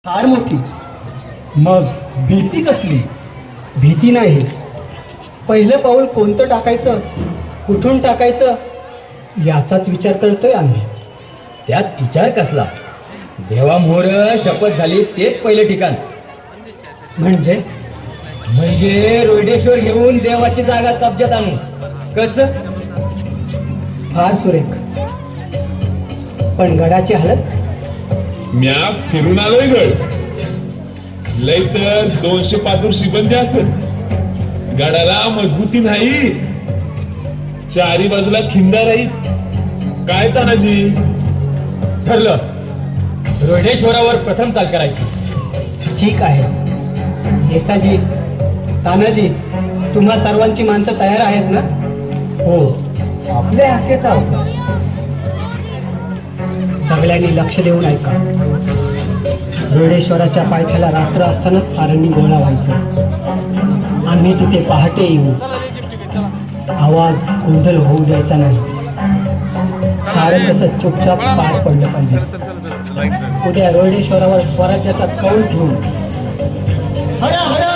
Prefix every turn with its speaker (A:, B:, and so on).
A: फार मोठी. मग भीती कसली? भीती नाही, पहिलं पाऊल कोणतं टाकायचं, कुठून टाकायचं याचाच विचार करतोय आम्ही.
B: त्यात विचार कसला? देवामोर शपथ झाली तेच पहिलं ठिकाण.
A: म्हणजे
B: म्हणजे रोहिडेश्वर घेऊन देवाची जागा कब्जात आणू. कसं?
A: फार सुरेख. पण गडाची हालत
C: म्या फिरून आलोय गड. लय तर 200 पातूर शिबंदी असेल. गडाला मजबूती नाही, चारी बाजूला खिंडा राहीत. काय तानाजी?
B: ठरलं, रोहिडेश्वरावर प्रथम चाल करायची.
A: ठीक आहे. येसाजी, तानाजी, तुम्हा सर्वांची माणसं तयार आहेत ना?
B: हो, आपल्या हक्केचा
A: सगळ्यांनी लक्ष देऊन ऐका. रोहिडेश्वराच्या पायथ्याला रात्र असतानाच साऱ्यांनी गोळा व्हायचं. आम्ही तिथे पहाटे येऊ. आवाज गोंधळ होऊ द्यायचा नाही. सारं कसं चुपचाप पार पडलं पाहिजे. उद्या रोहिडेश्वरावर स्वराज्याचा कौल घेऊन हरा हरा